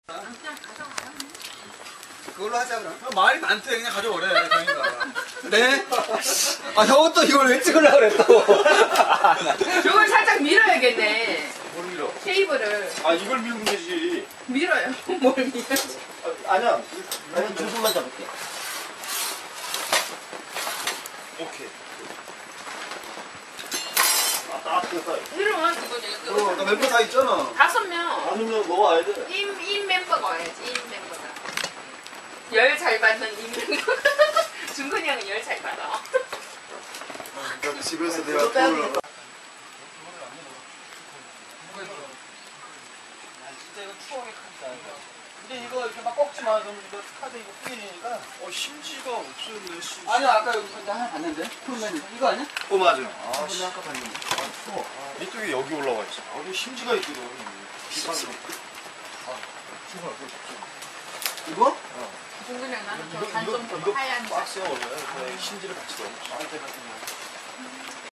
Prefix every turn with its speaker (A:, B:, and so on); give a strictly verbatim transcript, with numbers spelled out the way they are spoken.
A: 그걸로 하자 그럼.
B: 말이 많대. 그냥 가져오래. 그러니까.
A: 네? 아 형은 또 이걸 왜 찍으려고 그래 또.
C: 저걸 살짝 밀어야겠네.
B: 뭘 밀어?
C: 테이블을.
B: 아 이걸 밀면 되지.
C: 밀어요. 뭘 밀어야지.
B: 아, 아니야.
A: 나는 두 손만 잡을게.
B: 오케이. 아, 딱 됐다.
C: 이러면 그거
B: 어, 나 멤버 다 있잖아.
C: 다섯 명.
B: 아니면 너 와야 돼.
C: 임, 임 멤버가 와야지. 임 멤버가. 열 잘 받는 임 멤버. 준근이 형은 열 잘 받아.
B: 그러니까 집에서 내가 그걸
A: 진짜 이거 추억의 카드다. 근데 이거 이렇게 막 꺾지 마. 그럼 이거 카드 이거 뿌리니까.
B: 어 심지가 없었네. 심지.
A: 아니요 아까 여기 근데 하나 봤는데. 풀맨 이거 아니야?
B: 어 맞아.
A: 아, 근데 아까 봤는데. 아 추워.
B: 이쪽에 여기 올라와 있어. 아, 여기 심지가 있거든. 비싸서.
A: 이거?
C: 준근이 형 나는
B: 이거
C: 저 단좀
B: 이거
C: 더
B: 이거
C: 하얀 거.
B: 박스야 원래. 그냥 심지를 같이 넣어.
A: 아, 제가 그냥.